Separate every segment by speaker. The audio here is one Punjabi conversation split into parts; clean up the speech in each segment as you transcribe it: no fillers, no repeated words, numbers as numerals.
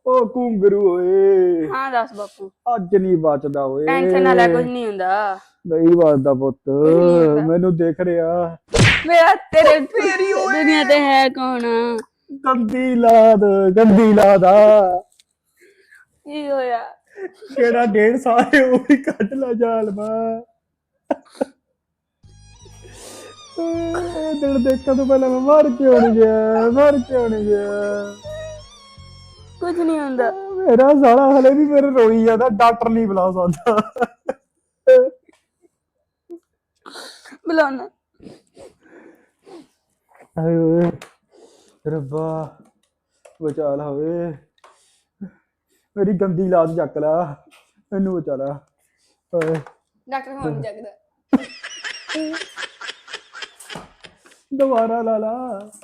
Speaker 1: ओ घुंगरू ओए
Speaker 2: हाँ दस बापू।
Speaker 1: अज नहीं बचदा ओए
Speaker 2: टेंशन ना ले, कुछ नहीं हुंदा।
Speaker 1: नहीं बचदा पुत
Speaker 2: कुछ नहीं हुंदा।
Speaker 1: मैनू देख रहा
Speaker 2: मेरा तेरे दुनिया ते है कौन?
Speaker 1: गंदी लाद
Speaker 2: की होया?
Speaker 1: केड़ा 1.5 साल है वो भी कट ला जाल मां दिल देखा तो पहले मैं मर क्यों नहीं गया
Speaker 2: कुछ नहीं हुंदा।
Speaker 1: मेरा साला हले भी मेरे रोई जाता डॉक्टर नहीं बुला सकता
Speaker 2: बुलाना।
Speaker 1: हाय ओए रब्बा बचा ला ओए मेरी गंदी लात चक ला मैनू बचा ला ओए
Speaker 2: डॉक्टर फोन जगदा।
Speaker 1: दोबारा ला ला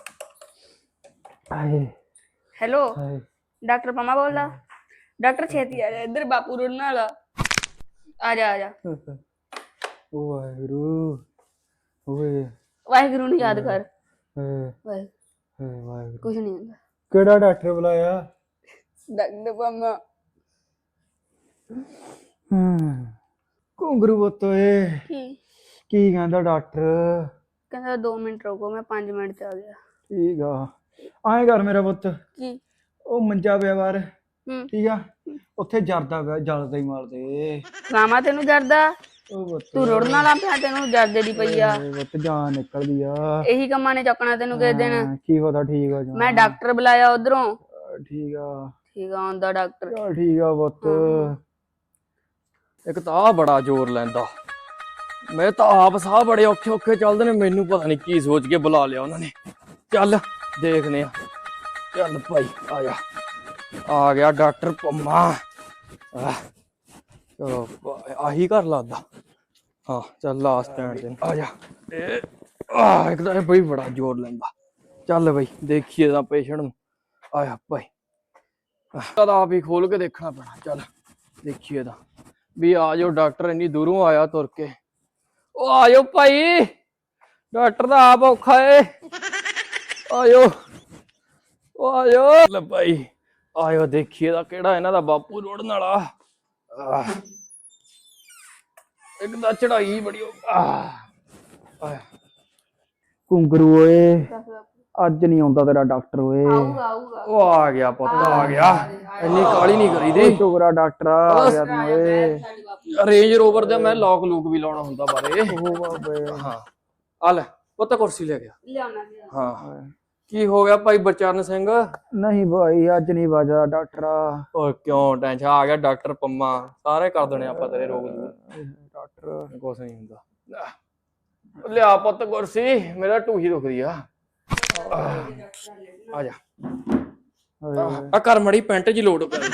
Speaker 1: हाय
Speaker 2: हेलो
Speaker 1: हाय
Speaker 2: डॉक्टर पमा बोल रहा? डॉक्टर छेती आ जा, इधर बापू रोने वाला। आ जा
Speaker 1: ओ वाहिगुरु ओए
Speaker 2: वाहिगुरु नहीं याद कर।
Speaker 1: हाय
Speaker 2: वाहिगुरु
Speaker 1: वाहिगुरु
Speaker 2: कुछ नहीं हुंदा।
Speaker 1: केड़ा डॉक्टर बुलाया
Speaker 2: डॉक्टर पमा।
Speaker 1: घुंगरू पुत ओए
Speaker 2: की
Speaker 1: की कहंदा डॉक्टर
Speaker 2: कहंदा 2 मिनट रुको, मैं 5 मिनट च आ गया।
Speaker 1: ठीक आ आए कर मेरा पुत
Speaker 2: की
Speaker 1: ਉਹ ਮੰਜਾ ਪਿਆ ਬਾਹਰ
Speaker 2: हम्म
Speaker 1: ਠੀਕ ਆ ਉੱਥੇ ਜਰਦਾ ਪਿਆ ਜਲਦਾ ਹੀ ਮਾਰਦੇ
Speaker 2: ਰਾਮਾ ਤੈਨੂੰ ਜਰਦਾ?
Speaker 1: ਉਹ ਪੁੱਤ
Speaker 2: ਤੂੰ ਰੁੜਨ ਵਾਲਾ ਪਿਆ, ਤੈਨੂੰ ਜਰਦੇ ਦੀ ਪਈ ਆ।
Speaker 1: ਪੁੱਤ ਜਾਨ ਨਿਕਲਦੀ ਆ
Speaker 2: ਇਹੀ ਕੰਮਾਂ ਨੇ ਚੱਕਣਾ ਤੈਨੂੰ ਕਿਸੇ ਦਿਨ।
Speaker 1: ਕੀ ਪਤਾ ਠੀਕ ਆ
Speaker 2: ਮੈਂ ਡਾਕਟਰ ਬੁਲਾਇਆ ਉਧਰੋਂ।
Speaker 1: ਠੀਕ ਆ
Speaker 2: ਠੀਕ ਆ ਆਉਂਦਾ ਡਾਕਟਰ।
Speaker 1: ਚਲ ਠੀਕ ਆ ਪੁੱਤ
Speaker 3: ਇੱਕ ਤਾਂ ਆ ਬੜਾ ਜ਼ੋਰ ਲੈਂਦਾ। ਮੈਂ ਤਾਂ ਆਪ ਸਾਹ ਬੜੇ ਔਖੇ ਔਖੇ ਚੱਲਦੇ ਨੇ, ਮੈਨੂੰ ਪਤਾ ਨਹੀਂ ਕੀ ਸੋਚ ਕੇ ਬੁਲਾ ਲਿਆ ਉਹਨਾਂ ਨੇ। ਚੱਲ ਦੇਖਦੇ ਆ। ਚੱਲ ਭਾਈ ਆ ਜਾ, ਆ ਗਿਆ ਡਾਕਟਰ ਪੰਮਾ। ਚਲੋ ਆਹੀ ਘਰ ਲੱਗਦਾ। ਹਾਂ ਚੱਲ ਲਾਸਟ ਸਟੈਂਡ ਤੇ ਆ ਜਾ। ਇੱਕ ਤਾਂ ਇਹ ਬਈ ਬੜਾ ਜ਼ੋਰ ਲੈਂਦਾ। ਚੱਲ ਬਈ ਦੇਖੀਏ ਤਾਂ ਪੇਸ਼ੈਂਟ ਨੂੰ। ਆਇਆ ਭਾਈ ਤਾਂ ਆਪ ਹੀ ਖੋਲ ਕੇ ਦੇਖਣਾ ਪੈਣਾ। ਚੱਲ ਦੇਖੀਏ ਤਾਂ ਵੀ ਆ ਜਾਓ ਡਾਕਟਰ, ਇੰਨੀ ਦੂਰੋਂ ਆਇਆ ਤੁਰ ਕੇ। ਉਹ ਆ ਜਾਓ ਭਾਈ, ਡਾਕਟਰ ਦਾ ਆਪ ਔਖਾ ਏ। ਆਇਓ ਉਹ ਆਇਓ ਲੈ ਭਾਈ ਆਇਓ, ਦੇਖੀਏ ਤਾਂ ਕਿਹੜਾ ਇਹਨਾਂ ਦਾ ਬਾਪੂ ਰੋੜਨ ਵਾਲਾ। ਇੱਕ ਤਾਂ ਚੜਾਈ ਬੜੀ
Speaker 1: ਘੁੰਗਰੂ ਓਏ ਅੱਜ ਨਹੀਂ ਆਉਂਦਾ ਤੇਰਾ ਡਾਕਟਰ ਓਏ
Speaker 2: ਆਊਗਾ ਆਊਗਾ।
Speaker 3: ਉਹ ਆ ਗਿਆ ਪੁੱਤ ਆ ਗਿਆ, ਇੰਨੀ ਕਾਲੀ ਨਹੀਂ ਕਰੀਦੀ।
Speaker 1: ਸ਼ੁਕਰਾ ਡਾਕਟਰ ਆ ਗਿਆ ਤੂੰ ਓਏ
Speaker 3: ਰੇਂਜ ਰੋਵਰ ਦਾ ਮੈਂ ਲੋਕ ਲੂਕ ਵੀ ਲਾਉਣਾ ਹੁੰਦਾ ਬਾਰੇ।
Speaker 1: ਉਹ ਬਾਬੇ
Speaker 3: ਹਾਂ ਆ ਲੈ ਪੁੱਤ ਕੁਰਸੀ ਲੈ ਗਿਆ।
Speaker 2: ਲਿਆਉਣਾ
Speaker 3: ਹਾਂ ਕੀ ਹੋ ਗਿਆ ਭਾਈ ਬਚਰਨ ਸਿੰਘ?
Speaker 1: ਨਹੀਂ ਭਾਈ ਅੱਜ ਨਹੀਂ ਬਾਜਾ ਡਾਕਟਰ
Speaker 3: ਓਏ ਕਿਉਂ ਟੈਨਸ਼ਨ? ਆ ਗਿਆ ਡਾਕਟਰ ਪੰਮਾ, ਸਾਰੇ ਕਰ ਦੇਣੇ ਆਪਾਂ ਤੇਰੇ ਰੋਗ ਦੂਰ।
Speaker 1: ਡਾਕਟਰ
Speaker 3: ਕੁਛ ਨਹੀਂ ਹੁੰਦਾ। ਲਿਆ ਪੁੱਤ ਕੁਰਸੀ, ਮੇਰਾ ਢੂਹੀ ਦੁਖਦੀ ਆ। ਆ ਜਾ ਆ ਕਰ ਮੜੀ ਪੈਂਟ ਜੀ ਲੋਡ ਕਰ।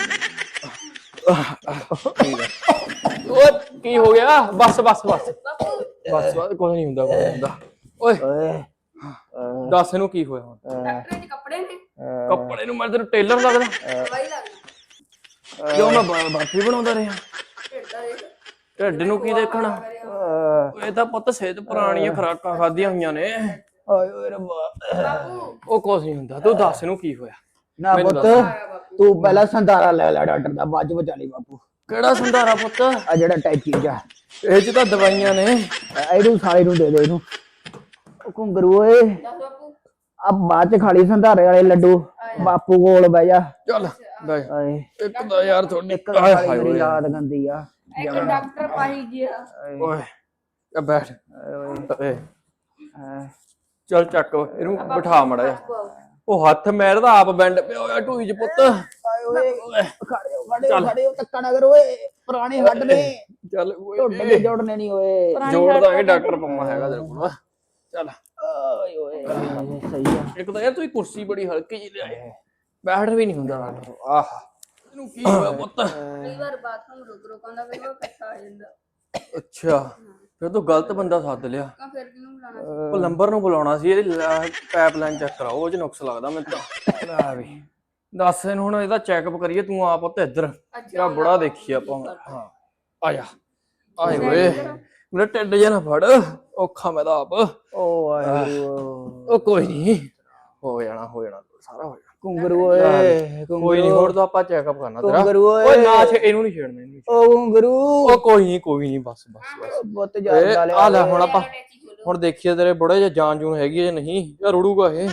Speaker 3: ਓ ਕੀ ਹੋ ਗਿਆ? ਬਸ ਬਸ ਬਸ ਬਸ ਕੁਛ ਨਹੀਂ ਹੁੰਦਾ, ਕੁਛ ਨਹੀਂ ਹੁੰਦਾ। ਓਏ ਦੱਸ ਇਹਨੂੰ ਕੀ ਹੋਇਆ ਹੁਣ?
Speaker 2: ਡਾਕਟਰ ਦੇ ਕੱਪੜੇ ਨੇ?
Speaker 3: ਕੱਪੜੇ ਨੂੰ ਮੈਂ ਤੈਨੂੰ ਟੇਲਰ ਲੱਗਦਾ?
Speaker 2: ਦਵਾਈ ਲੱਗਦਾ।
Speaker 3: ਕਿਉਂ ਮੈਂ ਬਰਫੀ ਬਣਾਉਂਦਾ ਰਿਹਾ? ਢਿੱਡ ਨੂੰ ਕੀ ਦੇਖਣਾ? ਇਹ ਤਾਂ ਪੁੱਤ ਸਿਹਤ ਪੁਰਾਣੀਆਂ ਖੁਰਾਕਾਂ ਖਾਧੀਆਂ ਹੋਈਆਂ ਨੇ।
Speaker 1: ਆਏ ਓਏ ਰੱਬਾ
Speaker 2: ਬਾਪੂ
Speaker 3: ਉਹ ਕੁਛ ਨਹੀਂ ਹੁੰਦਾ, ਤੂੰ ਦੱਸ ਇਹਨੂੰ ਕੀ ਹੋਇਆ?
Speaker 1: ਨਾ
Speaker 3: ਮੈਨੂੰ
Speaker 1: ਪੁੱਤ
Speaker 3: ਦੱਸ।
Speaker 1: ਤੂੰ ਪਹਿਲਾਂ ਸੰਧਾਰਾ ਲੈ ਲੈ ਡਾਕਟਰ ਦਾ, ਬਾਅਦ ਚ ਬਚਾ ਲਈ ਬਾਪੂ।
Speaker 3: ਕਿਹੜਾ ਸੰਧਾਰਾ ਪੁੱਤ?
Speaker 1: ਆ ਜਿਹੜਾ ਟੈਚੀ ਜਾ
Speaker 3: ਇਹ ਚ ਤਾਂ ਦਵਾਈਆਂ ਨੇ।
Speaker 1: ਇਹਨੂੰ ਸਾਲੇ ਨੂੰ ਦੇ ਦੇ ਇਹਨੂੰ। ਉਹ ਘੁੰਗਰੂ ਓਏ
Speaker 2: ਦੱਸ ਬਾਪੂ।
Speaker 1: ਆ ਬਾਅਦ ਚ ਖਾਲੀ ਸੰਧਾਰੇ ਵਾਲੇ ਲੱਡੂ ਬਾਪੂ ਕੋਲ ਬਹਿ ਜਾ।
Speaker 3: ਚੱਲ ਬੈ
Speaker 1: ਆਏ
Speaker 3: ਇੱਕ ਤਾਂ ਯਾਰ ਤੁਹਾਡੀ
Speaker 1: ਇੱਕ ਖਾਲੀ ਮੇਰੀ ਲਾਤ ਗੰਦੀ ਆ।
Speaker 2: ਇੱਕ ਡਾਕਟਰ ਪਾਈ ਗਿਆ।
Speaker 3: ਓਏ ਆ ਬੈਠ। ਓਏ
Speaker 1: ਹਾਂ।
Speaker 3: ਚੱਲ ਚੱਕ ਇਹਨੂੰ ਬਿਠਾ ਮੜਾ ਜਾ। ਉਹ ਹੱਥ ਮੇਰਾ ਤਾਂ ਆਪ ਬੈਂਡ ਪਿਆ ਹੋਇਆ ਢੂਈ ਚ ਪੁੱਤ।
Speaker 1: ਆਏ ਓਏ ਖੜੇ ਹੋ ਧੱਕਾ ਨਾ ਕਰੋ ਓਏ, ਪੁਰਾਣੇ ਹੱਡ ਨੇ
Speaker 3: ਚੱਲ
Speaker 1: ਢੁੱਡ ਦੇ ਜੋੜਨੇ ਨਹੀਂ ਓਏ।
Speaker 3: ਜੋੜ ਦਾਂਗੇ, ਡਾਕਟਰ ਪੰਮਾ ਹੈਗਾ ਤੇਰੇ ਕੋਲ। ਚੱਲ
Speaker 1: ਓਏ ਓਏ ਸਹੀ ਆ।
Speaker 3: ਇੱਕ ਤਾਂ ਯਾਰ ਤੂੰ ਕੁਰਸੀ ਬੜੀ ਹਲਕੀ ਜਿਹੀ ਲਿਆਏ, ਬੈਠ ਵੀ ਨਹੀਂ ਹੁੰਦਾ ਡਾਕਟਰ। ਆਹ ਇਹਨੂੰ ਕੀ ਹੋਇਆ ਪੁੱਤ?
Speaker 2: ਕਈ ਵਾਰ ਬਾਥਰੂਮ ਰੁਕ ਰੁਕਾਂਦਾ ਫਿਰ ਉਹ ਇਕੱਠਾ ਆ ਜਾਂਦਾ।
Speaker 3: ਅੱਛਾ ਫਿਰ ਤੂੰ ਗਲਤ ਬੰਦਾ ਸੱਦ ਲਿਆ।
Speaker 2: ਤਾਂ ਫਿਰ ਕਿਹਨੂੰ ਬੁਲਾਣਾ ਸੀ?
Speaker 3: ਪਲੰਬਰ ਨੂੰ ਬੁਲਾਉਣਾ ਸੀ। ਇਹਦੀ ਪਾਈਪਲਾਈਨ ਚੈੱਕ ਕਰਾਓ, ਉਹ ਚ ਨੁਕਸ ਲੱਗਦਾ ਮੈਨੂੰ ਤਾਂ। ਲੈ ਵੀ ਦੱਸ ਇਹਨੂੰ ਹੁਣ ਇਹਦਾ ਚੈੱਕਅਪ ਕਰੀਏ। ਤੂੰ ਆ ਪੁੱਤ ਇੱਧਰ, ਤੇਰਾ ਬੁੜਾ ਦੇਖੀ ਆਪਾਂ। ਹਾਂ ਆ ਜਾ। ਆਏ ਓਏ ਮੇਰਾ ਢਿੱਡ ਜਿਹਾ ਨਾ ਫੜ, ਔਖਾ ਮੈਂ ਤਾਂ ਆਪ।
Speaker 1: ਓ ਵਾਹਿਗੁਰੂ
Speaker 3: ਉਹ ਕੋਈ ਨਹੀਂ, ਹੋ ਜਾਣਾ ਸਾਰਾ ਹੋ ਜਾਣਾ,
Speaker 1: ਘੁੰਗਰੂ ਓਏ
Speaker 3: ਕੋਈ ਨਹੀਂ ਹੋਰ ਤਾਂ ਆਪਾਂ ਚੈੱਕਅਪ ਕਰਨਾ ਤੇਰਾ
Speaker 1: ਘੁੰਗਰੂ
Speaker 3: ਓਏ ਨਾ ਇਹਨੂੰ ਨਹੀਂ ਛੇੜਨਾ ਇਹਨੂੰ ਨੀ
Speaker 1: ਓ ਘੁੰਗਰੂ
Speaker 3: ਛੇੜਨਾ। ਉਹ ਕੋਈ ਨਹੀਂ ਬਸ
Speaker 1: ਬਹੁਤ ਜ਼ਿਆਦਾ
Speaker 3: ਆ ਲੈ ਹੁਣ ਆਪਾਂ ਹੁਣ ਦੇਖੀਏ ਤੇਰੇ ਬੁੜੇ ਜੇ ਜਾਨ ਜੂਨ ਹੈਗੀ ਹੈ ਜਾਂ ਨਹੀਂ ਯਾ ਰੁੜੂਗਾ ਇਹ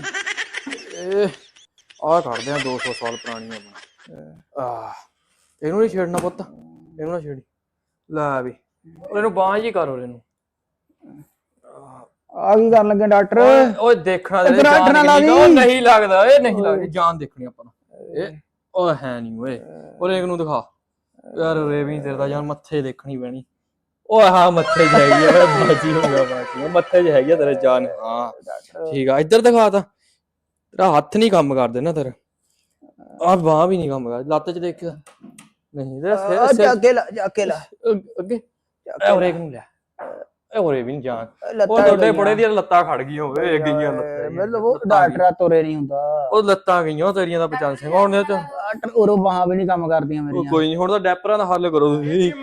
Speaker 3: ਆਹ ਕੱਢਦੇ ਆ 200 ਸਾਲ ਪੁਰਾਣੀ ਆਪਣਾ ਇਹਨੂੰ ਨਹੀਂ ਛੇੜਨਾ ਪੁੱਤ ਇਹਨੂੰ ਨਾ ਛੇੜੀ ਲੈ ਵੀ ਇਹਨੂੰ ਬਾਂਹ ਜੀ ਕਰੋ ਇਹਨੂੰ
Speaker 1: ਆ ਕੀ ਕਰਨ ਲੱਗੇ ਡਾਕਟਰ
Speaker 3: ਓਏ ਦੇਖਣਾ ਤੇਰੇ
Speaker 1: ਇੱਧਰ
Speaker 3: ਜਾਨ
Speaker 1: ਹੱਥ ਨਾ
Speaker 3: ਕਿੰਨੀ
Speaker 1: ਲਾ
Speaker 3: ਉਹ
Speaker 1: ਦੀ।
Speaker 3: ਨਹੀਂ ਲੱਗਦਾ ਇਹ ਨਹੀਂ ਲੱਗਦੀ ਜਾਨ ਦੇਖਣੀ ਆਪਾਂ ਨੂੰ ਇਹ ਉਹ ਹੈ ਨਹੀਂ ਓਏ ਉਹਨੇ ਇੱਕ ਨੂੰ ਦਿਖਾ ਯਾਰ ਰੇਵੀ ਤੇਰੇ ਦਾ ਯਾਰ ਮੱਥੇ ਦੇਖਣੀ ਪੈਣੀ ਉਹ ਹਾਂ ਮੱਥੇ 'ਚ ਹੈਗੀ ਆ ਬਾਜੀ ਹੋ ਗਿਆ ਬਾਜੀ ਮੱਥੇ 'ਚ ਹੈਗੀ ਆ ਤੇਰੇ ਜਾਨ ਹਾਂ ਠੀਕ ਆ ਇੱਧਰ ਦਿਖਾ ਤਾਂ ਤੇਰਾ ਹੱਥ ਨਹੀਂ ਕੰਮ ਕਰਦੇ ਨਾ ਤੇਰਾ ਆਹ ਬਾਂਹ ਵੀ ਨਹੀਂ ਕੰਮ ਕਰਦੀ ਲੱਤ 'ਚ ਦੇਖ ਨਹੀਂ ਤੇਰਾ
Speaker 1: ਜਾ ਕੇ ਲਾ
Speaker 3: ਅੱਗੇ ਔਰੇ ਨੂੰ ਲੈ ਔਰੇ ਵੀ ਨਹੀਂ ਜਾਨ ਉਹ ਤੁਹਾਡੇ ਬੜੇ ਦੀਆਂ ਲੱਤਾਂ ਖੜ ਗਈਆਂ ਓਏ ਗਈਆਂ ਲੱਤਾਂ
Speaker 1: ਮਤਲਬ ਉਹ ਡਾਕਟਰ ਤੋਰੇ ਨਹੀਂ ਹੁੰਦਾ
Speaker 3: ਉਹ ਲੱਤਾਂ ਗਈਆਂ ਤੇਰੀਆਂ ਦਾ ਬਚਨ ਸਿੰਘ ਹੁਣ ਇਹ ਚ
Speaker 1: ਡਾਕਟਰ ਉਰੋਂ ਬਾਹਾਂ ਵੀ ਨਹੀਂ ਕੰਮ ਕਰਦੀਆਂ ਮੇਰੀਆਂ
Speaker 3: ਕੋਈ ਨਹੀਂ ਹੁਣ ਤਾਂ ਡੈਪਰਾਂ ਦਾ ਹੱਲ ਕਰੋ ਤੁਸੀਂ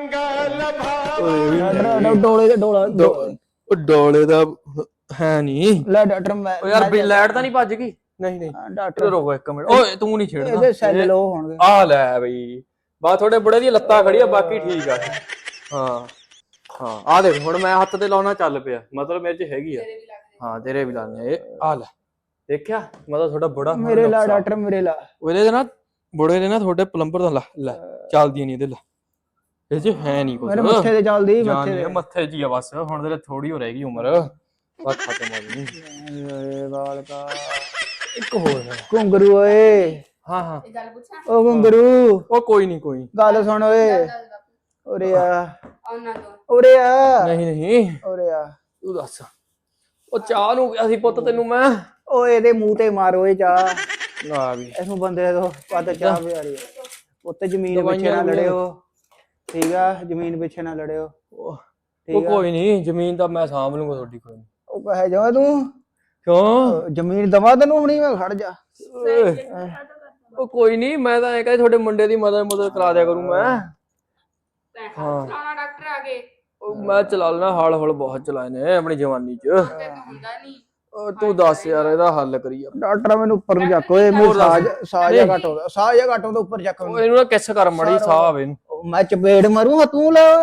Speaker 1: ਡੋਲੇ ਦੇ ਡੋਲਾ
Speaker 3: ਉਹ ਡੋਲੇ ਦਾ ਹੈ ਨਹੀਂ
Speaker 1: ਲੈ ਡਾਕਟਰ ਮੈਂ
Speaker 3: ਉਹ ਯਾਰ ਲਾਈਟ ਤਾਂ ਨਹੀਂ ਭੱਜ ਗਈ ਨਹੀਂ
Speaker 1: ਡਾਕਟਰ
Speaker 3: ਰੁਕੋ ਇੱਕ ਮਿੰਟ ਓਏ ਤੂੰ ਨਹੀਂ ਛੇੜਨਾ
Speaker 1: ਇਹਦੇ ਸੈੱਲ ਲੋ ਹੋਣਗੇ
Speaker 3: ਆ ਲੈ ਬਈ ਬਾ ਤੁਹਾਡੇ ਬੁੜੇ ਦੀਆਂ ਲੱਤਾਂ ਖੜੀਆਂ ਬਾਕੀ ਠੀਕ ਆ ਹਾਂ ਆ ਦੇਖ ਹੁਣ ਮੈਂ ਹੱਥ ਤੇ ਲਾਉਣਾ ਚੱਲ ਪਿਆ ਮਤਲਬ ਮੇਰੇ 'ਚ ਹੈਗੀ ਆ ਹਾਂ ਤੇਰੇ ਵੀ ਲਾਣੇ ਇਹ ਆ ਲੈ ਦੇਖਿਆ ਮਤਲਬ ਤੁਹਾਡਾ ਬੁੜਾ
Speaker 1: ਮੇਰੇ ਲਾ ਡਾਕਟਰ ਮੇਰੇ ਲਾ
Speaker 3: ਉਹਦੇ ਦੇ ਨਾ ਬੁੜੇ ਦੇ ਨਾ ਤੁਹਾਡੇ ਪਲੰਬਰ ਦਾ ਲੈ ਚੱਲਦੀ ਨਹੀਂ ਇਹਦੇ ਲਾ ਇਹ 'ਚ ਹੈ ਨਹੀਂ ਕੁਝ
Speaker 1: ਮੇਰੇ ਮੱਥੇ ਤੇ ਚੱਲਦੀ
Speaker 3: ਮੱਥੇ 'ਚ ਹੀ ਆ ਬਸ ਹੁਣ ਤੇਰੇ ਥੋੜੀ ਹੋ ਰਹੇਗੀ ਉਮਰ ਬਸ ਖਤਮ ਹੋ ਗਈ
Speaker 1: ਓਏ ਬਾਲ ਕਾ
Speaker 3: ਇੱਕ ਹੋਰ
Speaker 1: ਘੁੰਗਰੂ ਓਏ
Speaker 3: ਹਾਂ
Speaker 2: ਇਹ ਗੱਲ ਪੁੱਛਾਂ
Speaker 1: ਓ ਘੁੰਗਰੂ
Speaker 3: ਉਹ ਕੋਈ ਨਹੀਂ
Speaker 1: ਗੱਲ ਸੁਣ ਓਏ ਉਰੇ ਆ
Speaker 2: ਆਉਣਾ ਦੋ
Speaker 1: ਉਰੇ ਆ
Speaker 3: ਨਹੀਂ
Speaker 1: ਉਰੇ ਆ
Speaker 3: ਤੂੰ ਦੱਸ ਉਹ ਚਾਹ ਨੂੰ ਗਿਆ ਸੀ ਪੁੱਤ ਤੈਨੂੰ ਮੈਂ
Speaker 1: ਓਏ ਇਹਦੇ ਮੂੰਹ ਤੇ ਮਾਰ ਓਏ ਚਾਹ
Speaker 3: ਨਾ ਵੀ
Speaker 1: ਇਹਨੂੰ ਬੰਦੇ ਤੋਂ ਪਤਾ ਚਾਹ ਪਿਆਰੀ ਉੱਤੇ ਜ਼ਮੀਨ ਪਿੱਛੇ ਨਾ ਲੜਿਓ ਠੀਕ ਆ ਜ਼ਮੀਨ ਪਿੱਛੇ ਨਾ ਲੜਿਓ
Speaker 3: ਉਹ ਕੋਈ ਨਹੀਂ ਜ਼ਮੀਨ ਤਾਂ ਮੈਂ ਸਾਂਭ ਲੂੰਗਾ ਤੁਹਾਡੀ ਕੋਈ ਨੀ।
Speaker 1: ਉਹ ਕਹੇ ਜਾ ਤੂੰ
Speaker 3: ਕਿਉਂ
Speaker 1: ਜ਼ਮੀਨ ਦਵਾ ਤੈਨੂੰ ਹੁਣੀ ਮੈਂ ਖੜ ਜਾ
Speaker 3: ਉਹ ਕੋਈ ਨਹੀਂ ਮੈਂ ਤਾਂ ਐ ਕਹਿੰਦਾ ਤੁਹਾਡੇ ਮੁੰਡੇ ਦੀ ਮਦਦ ਕਰਾ ਦਿਆ ਕਰੂੰ ਮੈਂ
Speaker 2: ਹਾਂ ਡਾਕਟਰ ਆ ਗਏ
Speaker 3: ਉਹ ਮੈਂ ਚਲਾ ਲੈਣਾ ਹਾਲ ਹੌਲ ਬਹੁਤ ਚਲਾਏ ਨੇ ਆਪਣੀ ਜਵਾਨੀ 'ਚ
Speaker 2: ਹੁੰਦਾ ਨਹੀਂ
Speaker 3: ਤੂੰ ਦੱਸ ਯਾਰ ਇਹਦਾ ਹੱਲ ਕਰੀ
Speaker 1: ਡਾਕਟਰ ਮੈਨੂੰ ਉੱਪਰ ਨੂੰ ਚੱਕ ਓਏ ਮੇਰੇ ਸਾਹ ਜਾਂ ਘਟ ਹੁੰਦਾ ਉੱਪਰ ਚੱਕ
Speaker 3: ਉਹ ਇਹਨੂੰ ਨਾ ਕਿਸ ਕਰ ਮੜੀ ਸਾਹ ਆਵੇ ਇਹਨੂੰ
Speaker 1: ਮੈਂ ਚਪੇੜ ਮਾਰੂ ਤੂੰ ਲਾ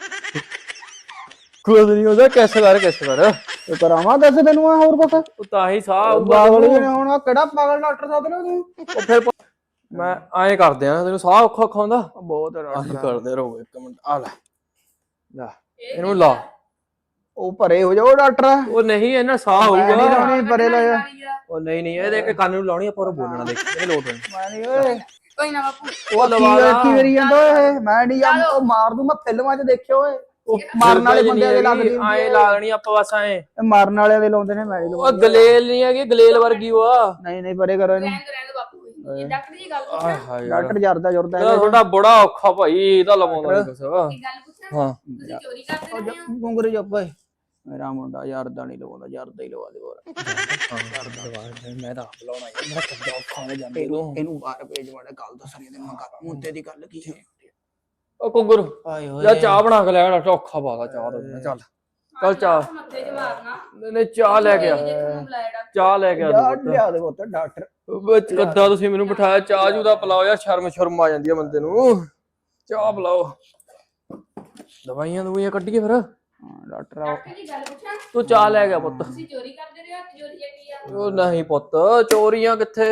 Speaker 3: ਕੁਝ ਨਹੀਂ ਉਹਦਾ ਕਿਸ ਕਰ
Speaker 1: ਤੇ ਕਰਾਵਾਂ ਦੱਸ ਤੈਨੂੰ ਆ ਹੋਰ ਕੁਛ
Speaker 3: ਉਹ ਤਾਂ ਹੀ ਸਾਹ ਆਊਗਾ
Speaker 1: ਪਾਗਲ ਨੇ ਹੁਣ ਕਿਹੜਾ ਪਾਗਲ ਡਾਕਟਰ ਸਾਹਿਬ ਨੇ ਤੂੰ
Speaker 3: ਉਹ ਫਿਰ ਮੈਂ ਐਂ ਕਰਦੇ ਆ ਤੈਨੂੰ ਸਾਹ ਔਖਾ ਆਉਂਦਾ
Speaker 1: ਬਹੁਤ
Speaker 3: ਆਹੀ ਕਰਦੇ ਰਹੋ ਇੱਕ ਮਿੰਟ ਆ ਲੈ ਇਹਨੂੰ ਲਾ
Speaker 1: ਉਹ ਭਰੇ ਹੋ ਜਾਓ ਡਾਕਟਰ
Speaker 3: ਉਹ ਨਹੀਂ ਇਹਨਾਂ ਸਾਹ
Speaker 1: ਨਹੀਂ
Speaker 3: ਆਊਗਾ
Speaker 1: ਲਾਉਣੀ ਪਰੇ ਲਾ ਜਾ
Speaker 3: ਉਹ ਨਹੀਂ ਇਹ ਦੇਖ ਕੇ ਕੰਨ ਨੂੰ ਲਾਉਣੀ ਆਪਾਂ ਉਹ ਬੋਲਣਾ ਦੇਖ ਇਹ ਲੋਟ ਨਹੀਂ
Speaker 1: ਮੈਂ ਨਹੀਂ ਓਏ
Speaker 2: ਕੋਈ ਨਾ ਬਾਪੂ
Speaker 1: ਉਹ ਕੀ ਕਰੀ ਜਾਂਦਾ ਓਏ ਮੈਂ ਨਹੀਂ ਜਾਂ ਮਾਰ ਦੂੰ ਮੈਂ ਫਿਲਮਾਂ 'ਚ ਦੇਖਿਆ ਓਏ ਉਹ ਮਾਰਨ ਵਾਲੇ ਬੰਦਿਆਂ ਦੇ ਲੱਗਦੀ
Speaker 3: ਐਂ ਲਾ ਦੇਣੀ ਆਪਾਂ ਬਸ ਐਂ
Speaker 1: ਮਾਰਨ ਵਾਲਿਆਂ ਦੇ ਲਾਉਂਦੇ ਨੇ ਮੈਂ ਨਹੀਂ
Speaker 3: ਉਹ ਗਲੇਲ ਨਹੀਂ ਹੈਗੀ ਗਲੇਲ ਵਰਗੀ ਉਹ ਆ
Speaker 1: ਨਹੀਂ ਪਰੇ ਕਰੋ ਇਹਨੂੰ
Speaker 2: ਰਹਿਣ ਦੋ ਬਾਪੂ ਇਹ ਡਾਕਟਰ ਦੀ ਗੱਲ ਪੁੱਛਾਂ
Speaker 1: ਡਾਕਟਰ ਜਰਦਾ
Speaker 3: ਇਹਦਾ ਤੁਹਾਡਾ ਬੜਾ ਔਖਾ ਭਾਈ ਇਹਦਾ ਲਵਾਉਂਦਾ ਨਹੀਂ ਕੁਛ
Speaker 2: ਇੱਕ ਗੱਲ ਪੁੱਛਾਂ
Speaker 3: ਹਾਂ
Speaker 2: ਤੁਸੀਂ ਚੋਰੀ ਕਰਦੇ ਰਹੇ ਹੋ
Speaker 1: ਗੁੰਗਰੇ ਜੱਪ ਓਏ ਮੇਰਾ ਮੁੰਡਾ ਯਾਰਦਾ ਨਹੀਂ ਲਵਾਉਂਦਾ ਯਾਰਦਾ ਹੀ ਲਵਾ ਦੇ ਹੋਰ
Speaker 3: ਮੈਂ ਤਾਂ ਆਪ ਲਾਉਣਾ ਯਾਰ ਮੇਰਾ ਕਿੱਦਾਂ ਔਖਾ ਹੋ ਜਾਂਦਾ
Speaker 1: ਇਹਨੂੰ ਬਾਹਰ ਭੇਜ ਮਾੜਾ ਗੱਲ ਦੱਸਣੀ ਤੇ ਮੈਂ ਮੁੰਡੇ ਦੀ ਗੱਲ ਕੀ ਹੈ
Speaker 3: ਉਹ ਕੁੱਗਰ
Speaker 1: ਆਏ ਹੋਏ
Speaker 3: ਯਾ ਚਾਹ ਬਣਾ ਕੇ ਲੈ ਆ ਔਖਾ ਬਾਲਾ ਚਾਹ ਦਾ ਚੱਲ ਚਾਹ
Speaker 2: ਮੱਥੇ 'ਚ ਮਾਰਨਾ
Speaker 3: ਨਹੀਂ ਚਾਹ ਲੈ ਕੇ ਆ
Speaker 2: ਤੁਹਾਨੂੰ ਬੁਲਾਇਆ ਡਾਕਟਰ
Speaker 3: ਚਾਹ ਲੈ ਕੇ ਆ
Speaker 1: ਲਿਆ ਦੇ ਪੁੱਤ ਡਾਕਟਰ
Speaker 3: ਵਿੱਚ ਕੱਦਾ ਤੁਸੀਂ ਮੈਨੂੰ ਬਿਠਾਇਆ ਚਾਹ ਜੂ ਦਾ ਪਿਲਾਓ ਯਾਰ ਸ਼ਰਮ ਆ ਜਾਂਦੀ ਆ ਬੰਦੇ ਨੂੰ ਚਾਹ ਪਿਲਾਓ ਦਵਾਈਆਂ ਕੱਢੀਏ ਫਿਰ
Speaker 1: ਡਾਕਟਰ
Speaker 2: ਡਾਕਟਰ ਦੀ ਗੱਲ ਪੁੱਛਾਂ
Speaker 3: ਤੂੰ ਚਾਹ ਲੈ ਗਿਆ ਪੁੱਤ
Speaker 2: ਤੁਸੀਂ ਚੋਰੀ ਕਰਦੇ ਰਹੇ ਹੋ ਚੋਰੀ ਚੱਕੀ ਆ
Speaker 3: ਉਹ ਨਹੀਂ ਪੁੱਤ ਚੋਰੀਆਂ ਕਿੱਥੇ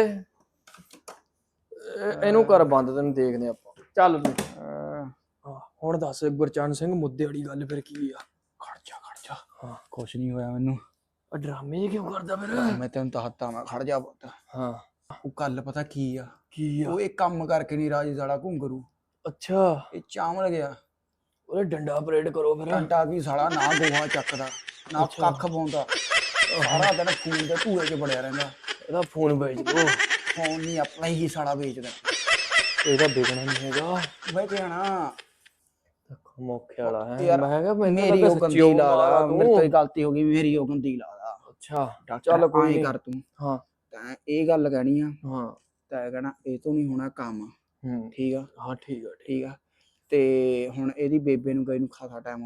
Speaker 3: ਇਹਨੂੰ ਕਰ ਬੰਦ ਤੈਨੂੰ ਦੇਖਦੇ ਆਪਾਂ ਚੱਲ ਤੂੰ ਹੁਣ ਦੱਸ ਗੁਰਚਰਨ ਸਿੰਘ ਮੁੱਦੇ ਵਾਲੀ ਗੱਲ ਫਿਰ ਕੀ ਆ
Speaker 1: ਖੜ ਜਾ ਹਾਂ ਕੁਛ ਨਹੀਂ ਹੋਇਆ ਮੈਨੂੰ
Speaker 3: ਆ ਡਰਾਮੇ ਕਿਉਂ ਕਰਦਾ ਫਿਰ
Speaker 1: ਮੈਂ ਤੈਨੂੰ ਦੱਸਤਾ ਮੈਂ ਖੜ ਜਾ ਪੁੱਤ
Speaker 3: ਹਾਂ
Speaker 1: ਉਹ ਗੱਲ ਪਤਾ ਕੀ ਆ
Speaker 3: ਕੀ ਆ
Speaker 1: ਉਹ ਇਹ ਕੰਮ ਕਰਕੇ ਨਹੀਂ ਰਾਜੀ ਸਾਲਾ ਘੁੰਗਰੂ
Speaker 3: ਅੱਛਾ
Speaker 1: ਇਹ ਚਾਵਲ ਗਿਆ
Speaker 3: ਉਹਨੇ ਡੰਡਾ ਪਰੇਡ ਕਰੋ ਫਿਰ
Speaker 1: ਘੰਟਾ ਕੀ ਸਾਲਾ ਨਾ ਗੋਹਾ ਚੱਕਦਾ ਨਾ ਕੱਖ ਪਾਉਂਦਾ ਸਾਰਾ ਦਿਨ ਫੋਨ ਦੇ ਧੂਏ 'ਚ ਬੜਿਆ ਰਹਿੰਦਾ
Speaker 3: ਇਹਦਾ ਫੋਨ ਵੇਚ ਦੋ
Speaker 1: ਫੋਨ ਨਹੀਂ ਆਪਣਾ ਹੀ ਸਾਲਾ ਵੇਚਦਾ
Speaker 3: ਇਹਦਾ ਵਿਕਣਾ ਨਹੀਂ ਹੈਗਾ
Speaker 1: ਬਈ ਕਹਿਣਾ
Speaker 3: ਮੌਕੇ ਵਾਲਾ ਹੈ
Speaker 1: ਯਾਰ,
Speaker 3: ਮੈਂ ਕਿਹਾ ਮੈਨੂੰ
Speaker 1: ਮੇਰੀ ਉਹ ਗੰਦੀ ਲਾ ਮੇਰੇ ਤੋਂ ਗਲਤੀ ਹੋ ਗਈ ਮੇਰੀ ਉਹ ਗੰਦੀ ਲਾ
Speaker 3: ਅੱਛਾ
Speaker 1: ਚੱਲ ਕੋਈ ਨਹੀਂ ਕਰ ਤੂੰ
Speaker 3: ਹਾਂ
Speaker 1: ਤੈਂ ਇਹ ਗੱਲ ਕਹਿਣੀ ਆ
Speaker 3: ਹਾਂ
Speaker 1: ਤੈਂ ਕਹਿਣਾ ਇਹ ਤੋਂ ਨਹੀਂ ਹੋਣਾ ਕੰਮ
Speaker 3: ਹੂੰ
Speaker 1: ਠੀਕ ਆ
Speaker 3: ਹਾਂ ਠੀਕ ਆ
Speaker 1: ਠੀਕ ਆ ਤੇ ਹੁਣ ਇਹਦੀ ਬੇਬੇ ਨੂੰ ਗਈ ਨੂੰ ਖਾਸਾ ਟਾਈਮ ਹੋ ਗਿਆ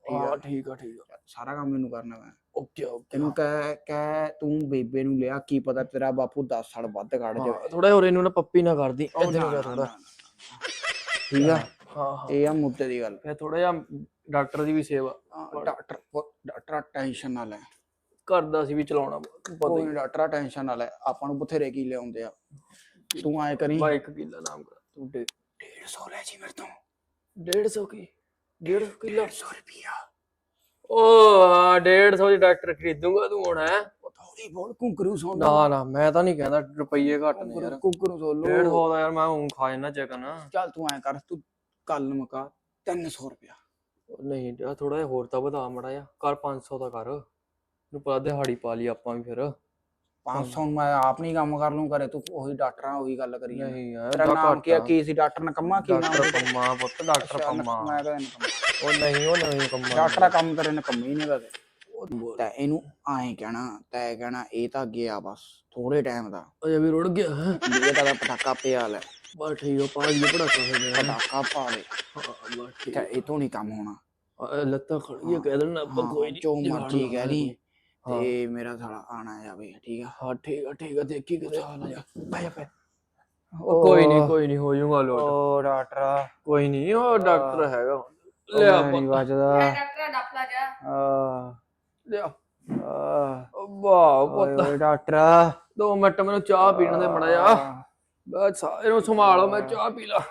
Speaker 1: ਠੀਕ ਆ
Speaker 3: ਹਾਂ ਠੀਕ ਆ
Speaker 1: ਸਾਰਾ ਕੰਮ ਮੈਨੂੰ ਕਰਨਾ ਮੈਂ
Speaker 3: ਓਕੇ ਓਕੇ
Speaker 1: ਤੈਨੂੰ ਕਹਿ ਤੂੰ ਬੇਬੇ ਨੂੰ ਲਿਆ ਕੀ ਪਤਾ ਤੇਰਾ ਬਾਪੂ 10 ਸਾਲ ਵੱਧ ਕੱਢ ਜਾਵੇ
Speaker 3: ਥੋੜਾ ਹੋਰ ਇਹਨੂੰ ਨਾ ਪੱਪੀ ਨਾ ਕਰਦੀ
Speaker 1: ਉਹ
Speaker 3: ਇੱਧਰ
Speaker 1: ਨਾ,
Speaker 3: ਨੂੰ ਕਰ
Speaker 1: ਨਾ,
Speaker 3: ਥੋੜਾ
Speaker 1: ਨਾ, ਠੀਕ ਆ
Speaker 3: ਹਾਂ
Speaker 1: ਇਹ ਆ ਮੁੱਦੇ ਦੀ ਗੱਲ
Speaker 3: ਫਿਰ ਥੋੜਾ ਜਿਹਾ ਡਾਕਟਰ ਦੀ ਵੀ ਸੇਵਾ
Speaker 1: ਡਾਕਟਰ ਟੈਨਸ਼ਨ ਨਾ ਲੈ
Speaker 3: ਕਰਦਾ ਸੀ ਵੀ ਚਲਾਉਣਾ ਪਤਾ
Speaker 1: ਕੋਈ
Speaker 3: ਹੀ
Speaker 1: ਡਾਕਟਰ ਟੈਨਸ਼ਨ ਨਾ ਲੈ ਆਪਾਂ ਨੂੰ ਬਥੇਰੇ ਕੀ ਲਿਆਉਂਦੇ ਆ ਤੂੰ ਐ ਕਰੀ
Speaker 3: ਬਾਈਕ ਕਿੱਲਾ ਨਾਮ ਕਰ ਤੂੰ
Speaker 1: 150 ਲੈ ਜੀ ਮੇਰੇ ਤੋਂ
Speaker 3: 150 ਕੀ 150 ਕਿੱਲਾ
Speaker 1: 100 ਰੁਪਿਆ
Speaker 3: ਉਹ 150 ਦੀ ਡਾਕਟਰ ਖਰੀਦੂਗਾ ਤੂੰ ਹੁਣ ਹੈ
Speaker 1: ਥੋੜੀ ਬੋਲ ਕੁੰਕਰੂ ਸੌਂ
Speaker 3: ਨਾ ਮੈਂ ਤਾਂ ਨਹੀਂ ਕਹਿੰਦਾ ਰੁਪਈਏ ਘੱਟ ਨੇ ਯਾਰ
Speaker 1: ਕੁੰਕਰੂ ਸੌ ਲੋ
Speaker 3: 150 ਦਾ ਯਾਰ ਮੈਂ ਹੁਣ ਖਾ ਜਾਣਾ ਚਿਕਨ
Speaker 1: ਚੱਲ ਤੂੰ ਐ ਕਰ ਤੂੰ ਕੱਲ ਮੁਕਾ 300 ਰੁਪਿਆ
Speaker 3: ਨਹੀਂ ਯਾਰ ਥੋੜਾ ਜਿਹਾ ਹੋਰ ਤਾਂ ਵਧਾ ਮੜਾ ਜਾ ਕਰ 500 ਦਾ ਕਰ ਨੂੰ ਪਤਾ ਦਿਹਾੜੀ ਪਾ ਲਈ ਆਪਾਂ ਵੀ ਫਿਰ
Speaker 1: 500 ਮੈਂ ਆਪ ਨਹੀਂ ਕੰਮ ਕਰ ਲੂੰ ਕਰੇ ਤੂੰ ਉਹੀ ਡਾਕਟਰ ਆ ਉਹੀ ਗੱਲ ਕਰੀ
Speaker 3: ਨਹੀਂ ਯਾਰ
Speaker 1: ਤੇਰਾ ਨਾਮ ਕੀ ਸੀ ਡਾਕਟਰ ਨਕਮਾ ਕੀ ਨਾਮ
Speaker 3: ਡਾਕਟਰ ਪੰਮਾ ਪੁੱਤ ਡਾਕਟਰ ਪੰਮਾ
Speaker 1: ਮੈਂ ਕਹਿੰਦਾ ਨਕਮਾ
Speaker 3: ਉਹ ਨਹੀਂ ਕੰਮਾ
Speaker 1: ਡਾਕਟਰ ਕੰਮ ਕਰੇ ਨਕਮੀ ਹੀ ਨਹੀਂ ਕਦੇ ਤਾਂ ਇਹਨੂੰ ਐਂ ਕਹਿਣਾ ਇਹ ਤਾਂ ਗਿਆ ਬਸ ਥੋੜੇ ਟਾਈਮ ਦਾ
Speaker 3: ਅਜੇ ਵੀ ਰੁੜ ਗਿਆ ਹੈ
Speaker 1: ਇਹ ਤਾਂ ਪਟਾਕਾ ਪਿਆ ਲੈ
Speaker 3: ਬਸ ਠੀਕ ਆ ਪਾ ਜੀ ਪੜਾਕਾ ਹੋ ਗਿਆ
Speaker 1: ਪਟਾਕਾ ਪਾ ਦੇ
Speaker 3: ਬਸ ਠੀਕ
Speaker 1: ਤਾਂ ਇਹ ਤੋਂ ਨਹੀਂ ਕੰਮ ਹੋਣਾ
Speaker 3: ਲੱਤਾਂ ਖੜੀਆਂ ਕਹਿ ਦੇਣਾ ਆਪਾਂ ਕੋਈ ਨਹੀਂ
Speaker 1: ਜੋ ਮਰਜੀ ਕਹਿ ਲਈ ਤੇ ਮੇਰਾ ਸਾਲਾ ਆਣਾ ਜਾਵੇ ਠੀਕ ਆ
Speaker 3: ਹਾਂ ਠੀਕ ਆ ਦੇਖੀ ਕਿਤੇ
Speaker 1: ਚੱਲ ਜਾ ਬੈ ਬੈ
Speaker 3: ਕੋਈ ਨਹੀਂ ਹੋ ਜਾਊਗਾ ਲੋਟ
Speaker 1: ਉਹ ਡਾਕਟਰ
Speaker 3: ਕੋਈ ਨਹੀਂ ਉਹ ਡਾਕਟਰ ਹੈਗਾ ਲਿਆ
Speaker 1: ਨਹੀਂ ਬਚਦਾ
Speaker 2: ਡਾਕਟਰ ਡਾਕਲਾ ਜਾ
Speaker 3: ਲਿਆ ਵਾਹ ਪੁੱਤ
Speaker 1: ਓਏ ਡਾਕਟਰ
Speaker 3: 2 ਮਿੰਟ ਮੈਨੂੰ ਚਾਹ ਪੀਣ ਦੇ ਮੜਾ ਜਾ ਬਸ ਇਹਨੂੰ ਸੰਭਾਲੋ ਮੈਂ ਚਾਹ ਪੀ ਲਾ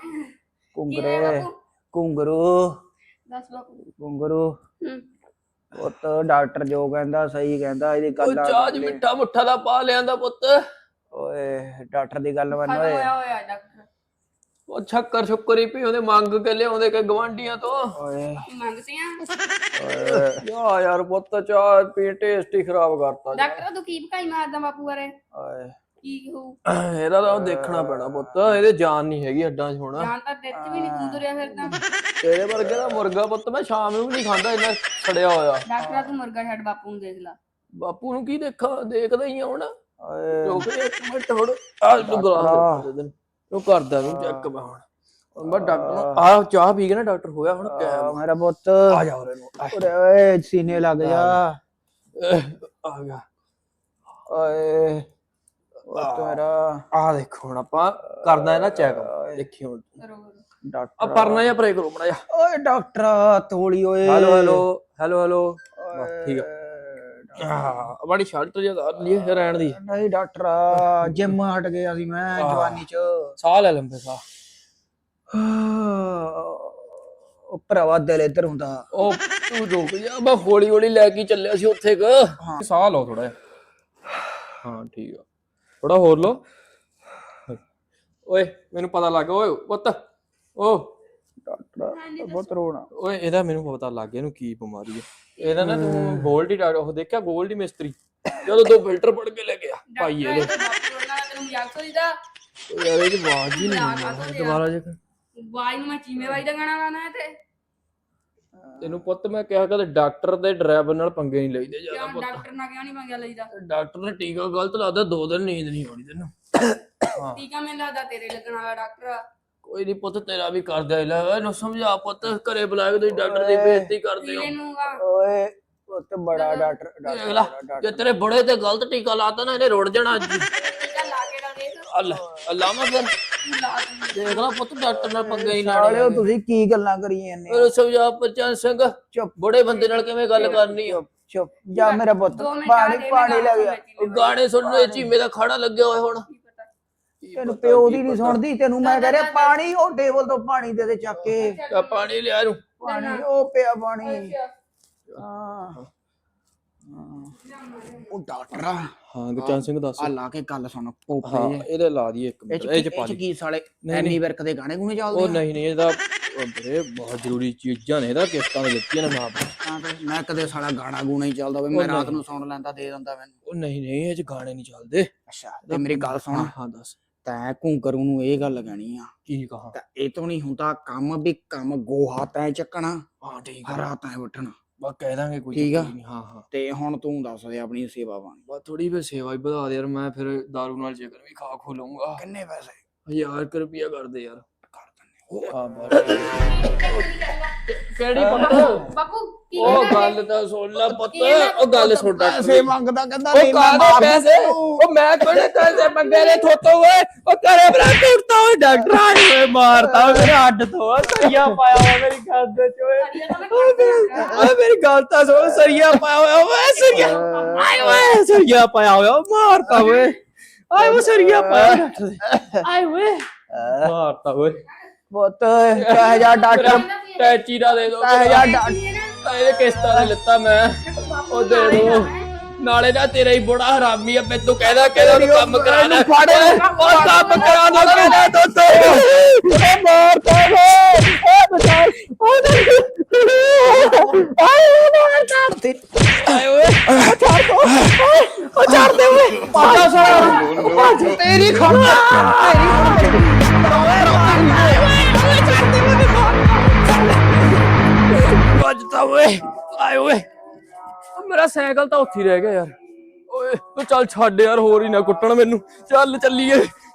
Speaker 1: ਕੁੰਗਰੂ
Speaker 2: ਦੱਸ ਬਾਪੂ
Speaker 1: ਕੁੰਗਰੂ
Speaker 2: ਹੂੰ
Speaker 1: ਪੁੱਤ ਡਾਕਟਰ ਜੋ ਕਹਿੰਦਾ ਸਹੀ ਕਹਿੰਦਾ ਇਹਦੀ
Speaker 3: ਉਹ
Speaker 1: ਗੱਲ
Speaker 3: ਚਾਹ ਚ ਮਿੱਠਾ ਮੁੱਠਾ ਦਾ ਪਾ ਲਿਆਂਦਾ ਪੁੱਤ
Speaker 1: ਓਏ ਡਾਕਟਰ ਦੀ ਗੱਲ ਮੰਨ ਓਏ
Speaker 2: ਹੋਇਆ ਡਾਕਟਰ
Speaker 3: ਉਹ ਸ਼ੱਕਰ ਹੀ ਪੀ ਉਹਦੇ ਮੰਗ ਕੇ ਲਿਆਉਂਦੇ ਕਿ ਗਵਾਂਢੀਆਂ ਤੋਂ
Speaker 1: ਓਏ
Speaker 2: ਮੰਗਦੇ ਆ
Speaker 1: ਓਏ
Speaker 3: ਯਾਰ ਪੁੱਤ ਚਾਹ ਪੀ ਟੇਸਟ ਹੀ ਖਰਾਬ ਕਰਤਾ
Speaker 2: ਡਾਕਟਰ ਤੂੰ ਕੀ ਭਕਾਈ ਮਾਰਦਾ ਬਾਪੂ ਬਾਰੇ
Speaker 1: ਓਏ
Speaker 2: ਕੀ ਕਹੂ
Speaker 3: ਇਹਦਾ ਤਾਂ ਦੇਖਣਾ ਪੈਣਾ ਪੁੱਤ ਇਹਦੇ ਜਾਨ ਨਹੀਂ ਹੈਗੀ ਅੱਡਾਂ 'ਚ ਹੁਣ
Speaker 2: ਜਾਨ ਤਾਂ ਦਿੱਤ ਵੀ ਨਹੀਂ ਤੂੰ ਤੁਰਿਆ ਫਿਰਦਾ
Speaker 3: ਤੇਰੇ ਵਰਗੇ ਦਾ ਮੁਰਗਾ ਪੁੱਤ ਮੈਂ ਸ਼ਾਮ ਨੂੰ ਵੀ ਨਹੀਂ ਖਾਂਦਾ ਇੰਨਾ ਸੜਿਆ ਹੋਇਆ
Speaker 2: ਡਾਕਟਰ ਤੂੰ ਮੁਰਗਾ ਛੱਡ ਬਾਪੂ ਨੂੰ ਦੇਖ ਲੈ
Speaker 3: ਬਾਪੂ ਨੂੰ ਕੀ ਦੇਖਦਾ ਹੀ ਆ ਹੁਣ
Speaker 1: ਓਏ
Speaker 3: ਰੁਕ ਜਾ ਇੱਕ ਮਿੰਟ ਹੁਣ ਆ ਤੂੰ ਗਲਾਸ ਦੇ ਦੇ ਉਹ ਕਰਦਾ ਨੂੰ ਚੈੱਕ ਮੈਂ ਹੁਣ ਮੈਂ ਡਾਕਟਰ ਨੂੰ ਆ ਚਾਹ ਪੀ ਕੇ ਨਾ ਡਾਕਟਰ ਹੋਇਆ ਹੁਣ ਕੈਮ
Speaker 1: ਮੇਰਾ ਪੁੱਤ
Speaker 3: ਆ ਜਾ ਉਰੇ ਨੂੰ
Speaker 1: ਓਏ ਸੀਨੇ ਲੱਗ ਜਾ
Speaker 3: ਆ ਗਿਆ
Speaker 1: ਓਏ ਤੇਰਾ
Speaker 3: ਆ ਦੇਖੋ ਹੁਣ ਆਪਾਂ ਕਰਦਾ ਹੈ ਨਾ ਚੈੱਕ ਦੇਖੀ ਹੁਣ
Speaker 2: ਕਰੋ
Speaker 3: ਆ
Speaker 1: ਡਾਕਟਰ
Speaker 3: ਪਰਨਾ ਜਾਂ ਪਰੇ ਕਰੋ ਮੜਾ ਜਾ
Speaker 1: ਓਏ ਡਾਕਟਰ ਤੋਲੀ ਓਏ
Speaker 3: ਹੈਲੋ ਬਸ ਠੀਕ ਆ ਬੜੀ ਸ਼ਰਟ ਜਿਹਾ ਲਈ ਰਹਿਣ ਦੀ
Speaker 1: ਨਹੀਂ ਡਾਕਟਰ ਜਿਮ ਹਟ ਗਿਆ ਸੀ ਮੈਂ ਜਵਾਨੀ ਚ
Speaker 3: ਸਾਹ ਲੈ ਲੰਬੇ ਸਾਹ
Speaker 1: ਉਹ ਭਰਾਵਾ ਦਿਲ ਇੱਧਰ ਹੁੰਦਾ
Speaker 3: ਉਹ ਤੂੰ ਰੁਕ ਜਾ ਮੈਂ ਹੌਲੀ ਲੈ ਕੇ ਚੱਲਿਆ ਸੀ ਉੱਥੇ ਸਾਹ ਲਓ ਥੋੜਾ ਜਿਹਾ ਹਾਂ ਠੀਕ ਆ ਥੋੜਾ ਹੋਰ ਲਓ ਓਏ ਮੈਨੂੰ ਪਤਾ ਲੱਗ ਗਿਆ ਓਏ ਪੁੱਤ
Speaker 1: ਡਾਕਟਰ ਬਹੁਤ ਰੋਣਾ
Speaker 3: ਓਏ ਇਹਦਾ ਮੈਨੂੰ ਪਤਾ ਲੱਗ ਗਿਆ ਇਹਨੂੰ ਕੀ ਬਿਮਾਰੀ ਹੈ ਇਹਦਾ ਨਾ ਤੂੰ ਗੋਲਡੀ ਉਹ ਦੇਖਿਆ ਗੋਲਡੀ ਮਿਸਤਰੀ ਜਦੋਂ 2 ਫਿਲਟਰ ਪੜ ਕੇ ਲੈ ਗਿਆ ਭਾਈ ਇਹਦੇ
Speaker 2: ਬਾਪੂ ਉਹਨਾਂ ਦਾ ਤੈਨੂੰ ਮਜ਼ਾਕ ਸੋਚਦਾ
Speaker 3: ਯਾਰ ਇਹਦੀ ਆਵਾਜ਼ ਹੀ ਨਹੀਂ ਦੁਬਾਰਾ ਜੇ
Speaker 2: ਵਾਈ ਨੂੰ ਮੈਂ ਚੀਮੇ ਵਾਈ ਦਾ ਗਾਣਾ ਲਾਣਾ ਹੈ ਤੇ
Speaker 3: ਤੈਨੂੰ ਪੁੱਤ ਮੈਂ ਕਿਹਾ ਕਦੇ ਡਾਕਟਰ ਤੇ ਡਰਾਈਵਰ ਨਾਲ ਪੰਗੇ ਨਹੀਂ ਲਈਦੇ ਜਿਆਦਾ
Speaker 2: ਕਿਉਂ ਡਾਕਟਰ ਨਾਲ ਕਿਉਂ ਨਹੀਂ ਮੰਗਿਆ ਲਈਦਾ
Speaker 3: ਡਾਕਟਰ ਨੇ ਟੀਕਾ ਗਲਤ ਲਾਦਾ 2 ਦਿਨ ਨੀਂਦ ਨਹੀਂ ਆਉਣੀ ਤੈਨੂੰ ਹਾਂ
Speaker 2: ਟੀਕਾ ਮੈਨੂੰ ਲੱਗਦਾ ਤੇਰੇ ਲੱਗਣ ਵਾਲਾ ਡਾਕਟਰ ਆ।
Speaker 3: ਕੋਈ ਨਹੀਂ ਪੁੱਤ ਤੇਰਾ ਵੀ ਕਰਦਾ ਇਲਾਜ ਇਹਨੂੰ ਸਮਝਾ ਪੁੱਤ ਘਰੇ ਬੁਲਾ ਕੇ ਤੁਸੀਂ ਡਾਕਟਰ ਦੀ ਬੇਇੱਜ਼ਤੀ ਕਰਦੇ ਹੋ
Speaker 2: ਪੀਲੇ ਨੂੰ ਆ
Speaker 1: ਓਏ ਪੁੱਤ ਬੜਾ ਡਾਕਟਰ
Speaker 3: ਦੇਖ ਲਾ ਜੇ ਤੇਰੇ ਬੁੜੇ ਤੇ ਗਲਤ ਟੀਕਾ ਲਾਤਾ ਨਾ ਇਹਨੇ ਰੁੜ ਜਾਣਾ ਅੱਜ
Speaker 2: ਟੀਕਾ ਲਾ ਕੇ ਦਾ ਦੇਖ
Speaker 3: ਅੱਲਾਮਾ ਫਿਰ
Speaker 2: ਤੂੰ ਲਾ ਦੇ
Speaker 3: ਦੇਖ ਲਾ ਪੁੱਤ ਡਾਕਟਰ ਨਾਲ ਪੰਗੇ ਹੀ
Speaker 1: ਸਾਲਿਓ
Speaker 3: ਲਾਣੇ
Speaker 1: ਤੁਸੀਂ ਕੀ ਗੱਲਾਂ ਕਰੀ ਜਾਂਦੇ
Speaker 3: ਇਹਨੂੰ ਸਮਝਾ ਪਰਚਨ ਸਿੰਘ
Speaker 1: ਚੁੱਪ
Speaker 3: ਬੜੇ ਬੰਦੇ ਨਾਲ ਕਿਵੇਂ ਗੱਲ ਕਰਨੀ ਆ
Speaker 1: ਚੁੱਪ ਜਾ ਮੇਰਾ ਪੁੱਤ
Speaker 2: 2 ਮਿੰਟ
Speaker 1: ਪਾਣੀ ਲੈ ਗਿਆ
Speaker 3: ਉਹ ਗਾਣੇ ਸੁਣਨੇ ਚੀਮੇ ਦਾ ਖਾੜਾ ਲੱਗਿਆ ਹੋਇਆ ਹੁਣ
Speaker 1: ਤੈਨੂੰ ਪਿਓ ਦੀ ਨਹੀਂ ਸੁਣਦੀ ਤੈਨੂੰ ਮੈਂ ਕਹਿ ਰਿਹਾ ਪਾਣੀ ਉਹ ਟੇਬਲ ਤੋਂ ਪਾਣੀ ਦੇ ਦੇ ਚੱਕ ਕੇ
Speaker 3: ਆ ਪਾਣੀ ਲਿਆ ਇਹਨੂੰ
Speaker 1: ਪਾਣੀ ਉਹ ਪਿਆ ਪਾਣੀ ਹਾਂ ਉਹ ਡਾਕਟਰ
Speaker 3: ਹਾਂ ਗੁਰਚਰਨ ਸਿੰਘ ਦੱਸ
Speaker 1: ਆ ਲਾ ਕੇ ਗੱਲ ਸੁਣ
Speaker 3: ਹਾਂ
Speaker 1: ਪੋਪੇ
Speaker 3: ਇਹਦੇ ਲਾ ਦੀ ਇੱਕ ਮਿੰਟ ਇਹ ਚ ਪਾ
Speaker 1: ਇਹ ਚ
Speaker 3: ਦੀ
Speaker 1: ਕੀ ਸਾਲੇ ਐਨੀ ਵਰਕ ਦੇ ਗਾਣੇ ਗੂਣੇ ਚੱਲਦੇ
Speaker 3: ਉਹ ਨਹੀਂ ਇਹਦਾ ਵੀਰੇ ਬਹੁਤ ਜ਼ਰੂਰੀ ਚੀਜ਼ਾਂ ਨੇ ਇਹਦਾ ਕਿਸ਼ਤਾਂ ਦੇ ਦਿੱਤੀਆਂ ਨੇ ਮਾਂ
Speaker 1: ਹਾਂ ਤੇ ਮੈਂ ਕਦੇ ਸਾਲਾ ਗਾਣਾ ਗੂਣਾ ਹੀ ਚੱਲਦਾ ਹੋਵੇ ਮੈਂ ਰਾਤ ਨੂੰ ਸੁਣ ਲੈਂਦਾ ਦੇ ਦਿੰਦਾ ਮੈਨੂੰ
Speaker 3: ਉਹ ਨਹੀਂ ਇਹ ਚ ਗਾਣੇ ਨਹੀਂ ਚੱਲਦੇ
Speaker 1: ਅੱਛਾ ਤੇ ਮੇਰੀ ਗੱਲ ਸੁਣ
Speaker 3: ਹਾਂ ਦੱਸ
Speaker 1: ਤੈਂ ਘੂੰਕਰੂ ਨੂੰ ਇਹ ਗੱਲ ਕਹਿਣੀ ਆ
Speaker 3: ਕੀ ਕਹਾ
Speaker 1: ਤਾਂ ਇਹ ਤੋਂ ਨਹੀਂ ਹੁੰਦਾ ਕੰਮ ਵੀ ਕੰਮ ਗੋਹਾ ਤੈਂ ਚੱਕਣਾ
Speaker 3: ਹਾਂ ਠੀਕ ਆ
Speaker 1: ਹਰਾ ਤੈਂ ਵੱਢਣਾ
Speaker 3: ਬਸ ਕਹਿ ਦਾਂਗੇ ਕੋਈ
Speaker 1: ਠੀਕ ਆ।
Speaker 3: ਚੱਕਰ ਨਹੀਂ ਹਾਂ
Speaker 1: ਤੇ ਹੁਣ ਤੂੰ ਦੱਸ ਦੇ ਆਪਣੀ ਸੇਵਾ ਬਾਣੀ
Speaker 3: ਬਸ ਥੋੜੀ ਵੀ ਸੇਵਾ ਹੀ ਵਧਾ ਦੇ ਯਾਰ ਮੈਂ ਫਿਰ ਦਾਰੂ ਨਾਲ ਚਿਕਨ ਵੀ ਖਾ ਖੋ ਲਊਂਗਾ
Speaker 1: ਕਿੰਨੇ ਪੈਸੇ
Speaker 3: 1000 ਰੁਪਿਆ ਕਰ ਦੇ ਯਾਰ
Speaker 1: ਕਰ ਦਿੰਨੇ
Speaker 3: ਹਾਂ ਬਸ ਕਿਹੜੀ ਪੁੱਤ
Speaker 2: ਬਾਪੂ
Speaker 3: ਉਹ ਗੱਲ ਤਾਂ ਸੁਣ ਲੈ ਪੁੱਤ ਉਹ ਗੱਲ ਸੁਣ ਡਾਕਟਰ
Speaker 1: ਪੈਸੇ ਮੰਗਦਾ ਕਹਿੰਦਾ
Speaker 3: ਉਹ ਕਾਹਦੇ ਪੈਸੇ ਉਹ ਮੈਂ ਕਿਹੜੇ ਪੈਸੇ ਮੰਗੇ ਨੇ ਥੋਤੋਂ ਓਏ ਉਹ ਕਰੇ ਬਰਾ ਟੁੱਟਦਾ ਓਏ ਡਾਕਟਰ ਆਏ ਓਏ ਮਾਰਦਾ ਓਏ ਮੇਰੇ ਹੱਡ ਤੋਂ ਸਰੀਆ ਪਾਇਆ ਹੋਇਆ ਮੇਰੀ ਗੱਲ ਦੇ ਚ ਓਏ ਮੇਰੀ ਗੱਲ ਤਾਂ ਸੁਣ ਸਰੀਆ ਪਾਇਆ ਹੋਇਆ ਓਏ ਸਰੀਆ ਆਏ ਓਏ ਸਰੀਆ ਪਾਇਆ ਹੋਇਆ ਮਾਰਦਾ ਓਏ ਆਏ ਓ ਸਰੀਆ ਪਾਇਆ ਡਾਕਟਰ ਦੇ ਆਏ ਓਏ ਮਾਰਦਾ ਓਏ
Speaker 1: ਪੁੱਤ ਕਹਿ ਜਾ ਡਾਕਟਰ
Speaker 3: ਟੈਚੀ ਦਾ ਦੇ ਦੋ
Speaker 1: ਕਹਿ ਜਾ ਡਾਕਟਰ
Speaker 3: ਇਹਦੇ ਕਿਸ਼ਤਾਂ ਦੇ ਲਿੱਤਾ ਮੈਂ ਉਹ ਦੇ ਦੋ ਨਾਲੇ ਨਾ ਤੇਰਾ ਹੀ ਬੜਾ ਹਰਾਮੀ ਆ ਮੈਨੂੰ ਕਹਿੰਦਾ ਉਹਨੂੰ ਕੰਮ ਕਰਾ ਲੈ ਉਹ ਕੰਮ ਕਰਾ ਦੋ ਕਹਿੰਦਾ ਦੋਸਤੋ ਉਹ ਮਾਰਦਾ ਓ ਬਚਾ ਆਏ ਓਏ ਛੱਡ ਦੇ ਓਏ ਪਾਸਾ ਸਾਰਾ ਤੇਰੀ ਖੰਡਾ ਵੱਜਦਾ ਓਏ ਆਏ ਓਏ ਮੇਰਾ ਸਾਈਕਲ ਤਾਂ ਉੱਥੇ ਹੀ ਰਹਿ ਗਿਆ ਯਾਰ ਓਏ ਤੂੰ ਚੱਲ ਛੱਡ ਯਾਰ ਹੋਰ ਹੀ ਨਾ ਕੁੱਟਣ ਮੈਨੂੰ ਚੱਲ ਚੱਲੀਏ